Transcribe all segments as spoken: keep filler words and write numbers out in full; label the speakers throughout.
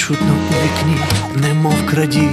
Speaker 1: чутно у вікні, немов крадій.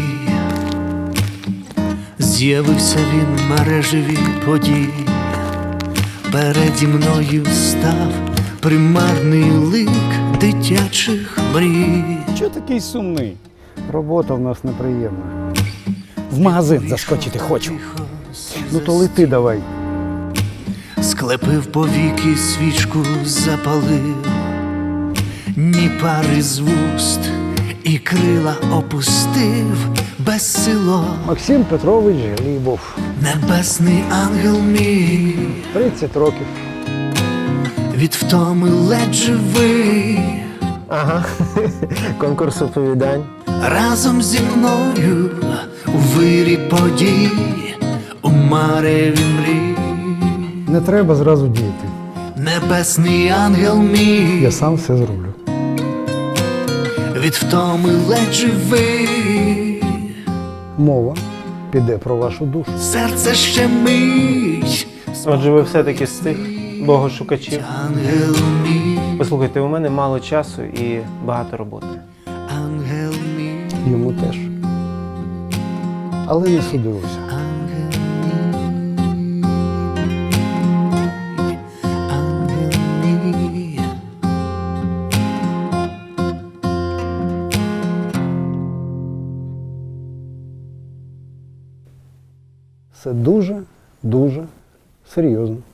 Speaker 1: З'явився він в мережеві подій. Переді мною став примарний лик дитячих мрій.
Speaker 2: Чого такий сумний? Робота в нас неприємна. В магазин заскочити хочу. Ну то лети давай.
Speaker 1: Склепив повіки, свічку запалив, ні пари з вуст, і крила опустив безсило.
Speaker 2: Максим Петрович Глібов.
Speaker 1: Небесний ангел мій,
Speaker 2: тридцять років.
Speaker 1: від втоми ледь живий.
Speaker 3: Ага, конкурс оповідань.
Speaker 1: Разом зі мною у вирі подій, у мареві мрій.
Speaker 2: Не треба зразу діяти.
Speaker 1: Небесний ангел мій,
Speaker 2: Я сам все зроблю.
Speaker 1: від втоми ледь живий.
Speaker 2: Мова піде про вашу душу.
Speaker 1: Серце ще мить.
Speaker 3: Отже, ви все-таки з тих богошукачів.
Speaker 1: Ангел мій,
Speaker 3: Послухайте, у мене мало часу і багато роботи.
Speaker 1: ангел мій,
Speaker 2: Йому теж. Але не судилося.
Speaker 1: ангел мій, ангел мій.
Speaker 2: Все дуже, дуже серйозно.